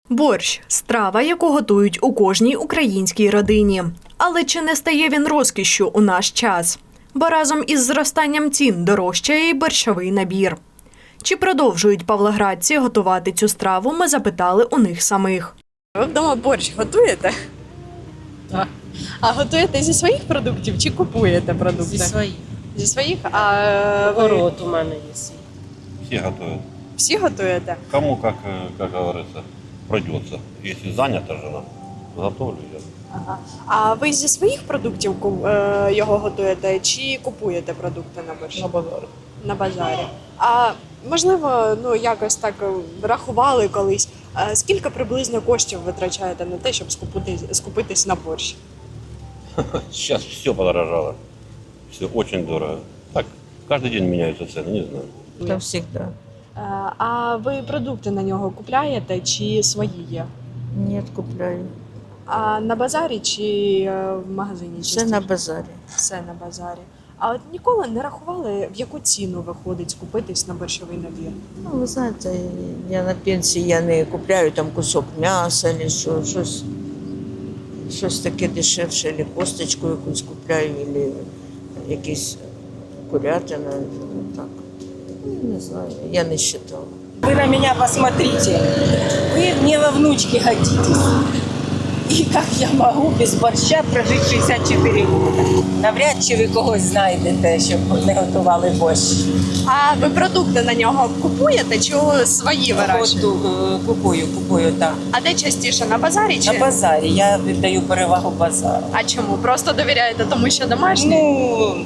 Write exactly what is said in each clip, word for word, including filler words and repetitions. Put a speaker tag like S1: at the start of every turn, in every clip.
S1: Борщ – страва, яку готують у кожній українській родині. Але чи не стає він розкішшю у наш час? Бо разом із зростанням цін дорожчає й борщовий набір. Чи продовжують павлоградці готувати цю страву, ми запитали у них самих.
S2: Ви вдома борщ готуєте?
S3: Так.
S2: А готуєте зі своїх продуктів чи купуєте продукти?
S3: Зі своїх.
S2: Зі своїх? А ви
S3: Город у мене є свій.
S4: Все готовят.
S2: всі готуєте?
S4: Кому, как, э, как говорится, придется. Если занята жена, готовлю я.
S2: Ага. А ви зі своїх продуктів ку- е, його готуєте чи купуєте продукти на борщ?
S3: На базарі.
S2: На базарі. А можливо, ну якось так е, рахували колись, е, скільки приблизно коштів витрачаєте на те, щоб скупити, скупитись на борщ?
S4: Сейчас все подорожало. Все очень дорого. Так, каждый день меняются цены, не знаю.
S3: Та всегда.
S2: Е, А ви продукти на нього купляєте чи свої є?
S3: Ні, купляю.
S2: А на базарі чи е, в магазині?
S3: Все
S2: частіше?
S3: на базарі.
S2: Все на базарі. А от ніколи не рахували, в яку ціну виходить скупитись на борщовий набір?
S3: Ну, ви знаєте, я на пенсії, я не купляю там кусок м'яса, чи що, щось, щось таке дешевше, або косточку якусь купляю, або якісь курятина, ну, так. Ну, не знаю, я не вважала.
S5: Вы на меня посмотрите. Вы мне во внучке годитесь. И как я могу без борща прожити шістдесят чотири роки? Навряд чи ви когось знайдете, щоб не готували борщ.
S2: А ви продукти на нього купуєте чи свої вирощуєте?
S5: Готу- е, Купую, купую, так.
S2: А де частіше, на базарі чи?
S5: На базарі. Я віддаю перевагу базару.
S2: А чому? Просто довіряєте тому, що домашній?
S5: Ну,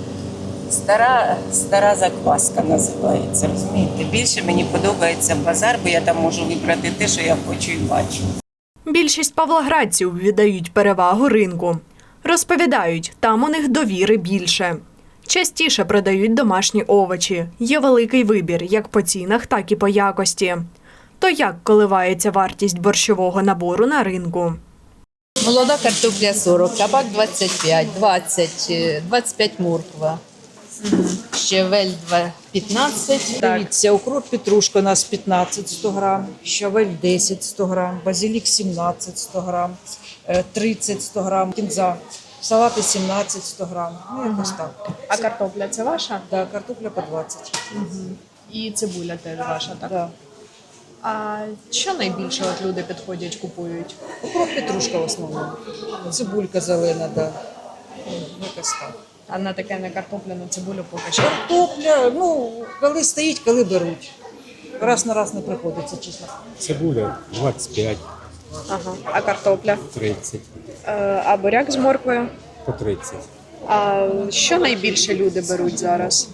S5: стара, стара закваска називається, розумієте? Більше мені подобається базар, бо я там можу вибрати те, що я хочу і бачу.
S1: Більшість павлоградців віддають перевагу ринку. Розповідають, там у них довіри більше. Частіше продають домашні овочі. Є великий вибір як по цінах, так і по якості. То як коливається вартість борщового набору на ринку?
S6: Молода картопля сорок, кабак двадцять п'ять, двадцять, е, двадцять п'ять морква. Щавель два- п'ятнадцять.
S7: Дивіться, укроп петрушка у нас п'ятнадцять сто грам, щавель десять сто грам, базилік сімнадцять сто грам, е, тридцять сто грам, кінза, салати сімнадцять сто грам. Ну, якось так.
S2: А картопля це ваша?
S7: Да, картопля по двадцять.
S2: І цибуля теж ваша, так?
S7: Да.
S2: А що найбільше от люди підходять, купують?
S7: Укроп петрушка в основному. Цибулька зелена, да. Ну, якось так.
S2: А на таке на картоплю, на цибулю поки що.
S7: Картопля, ну, коли стоїть, коли беруть. Раз на раз не приходиться, чесно.
S8: Цибуля двадцять п'ять,
S2: Ага. А картопля?
S8: тридцять,
S2: Е, А буряк з морквою?
S8: по тридцять.
S2: А що найбільше люди беруть зараз?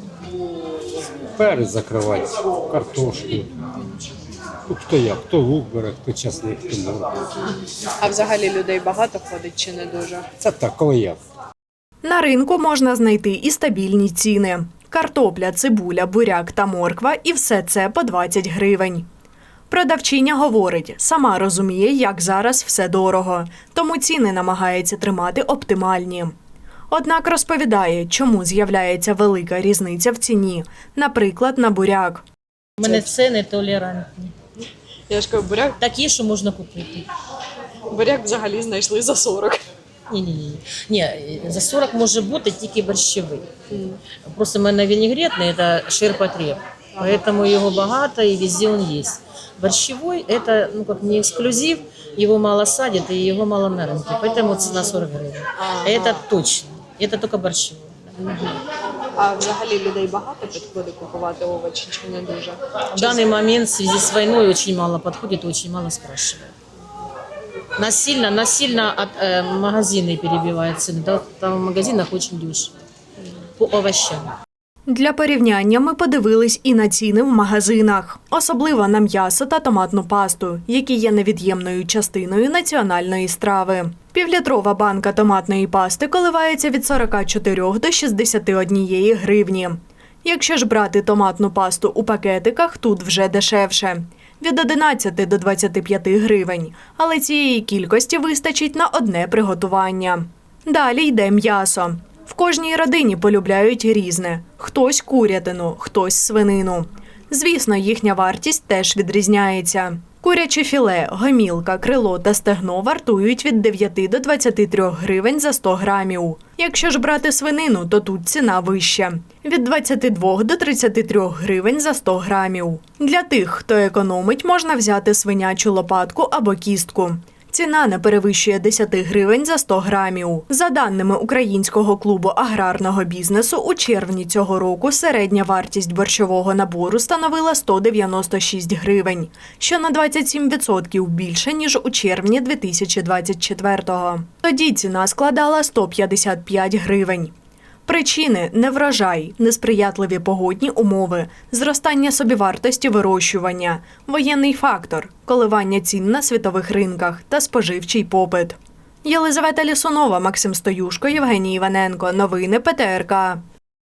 S8: Перець закривати, картошку. Ну, хто як, хто лук бере, хто часник, хто моркву.
S2: А взагалі людей багато ходить чи не дуже?
S8: Це так, коли як.
S1: На ринку можна знайти і стабільні ціни. Картопля, цибуля, буряк та морква – і все це по двадцять гривень. Продавчиня говорить, сама розуміє, як зараз все дорого, тому ціни намагається тримати оптимальні. Однак розповідає, чому з'являється велика різниця в ціні, наприклад, на буряк.
S9: У мене ціни толерантні.
S2: Я ж кажу, буряк,
S9: Такі, що можна купити.
S2: буряк взагалі знайшли за сорок.
S9: Ні, ні, ні. Ні, за сорок може бути тільки борщовий. Просто в мене вінегретний – це ширпотреб. Поэтому його багато і везде він є. Борщовий – це, ну, як не ексклюзив, його мало садять і його мало на ринку. Поэтому ціна сорок гривень. Це точно. Це тільки борщовий.
S2: А взагалі людей багато підходить купувати овочі чи не дуже?
S9: В данный момент в связи с войной очень мало подходит, очень мало спрашивают. Насильно, насильно от, э, магазины перебивают цены. Да, там в магазинах очень дешево. По овощам.
S1: Для порівняння ми подивились і на ціни в магазинах, особливо на м'ясо та томатну пасту, які є невід'ємною частиною національної страви. Півлітрова банка томатної пасти коливається від сорока чотирьох до шістдесяти однієї гривні. Якщо ж брати томатну пасту у пакетиках, тут вже дешевше – від одинадцяти до двадцяти п'яти гривень, але цієї кількості вистачить на одне приготування. Далі йде м'ясо. В кожній родині полюбляють різне – хтось курятину, хтось свинину. Звісно, їхня вартість теж відрізняється. Куряче філе, гомілка, крило та стегно вартують від дев'яти до двадцяти трьох гривень за сто грамів. Якщо ж брати свинину, то тут ціна вища – від двадцяти двох до тридцяти трьох гривень за сто грамів. Для тих, хто економить, можна взяти свинячу лопатку або кістку. Ціна не перевищує десяти гривень за сто грамів. За даними Українського клубу аграрного бізнесу, у червні цього року середня вартість борщового набору становила сто дев'яносто шість гривень, що на двадцять сім відсотків більше, ніж у червні дві тисячі двадцять четвертого. Тоді ціна складала сто п'ятдесят п'ять гривень. Причини – неврожай, несприятливі погодні умови, зростання собівартості вирощування, воєнний фактор, коливання цін на світових ринках та споживчий попит. Єлизавета Лісунова, Максим Стоюшко, Євгеній Іваненко. Новини Пе Те Ер Ка.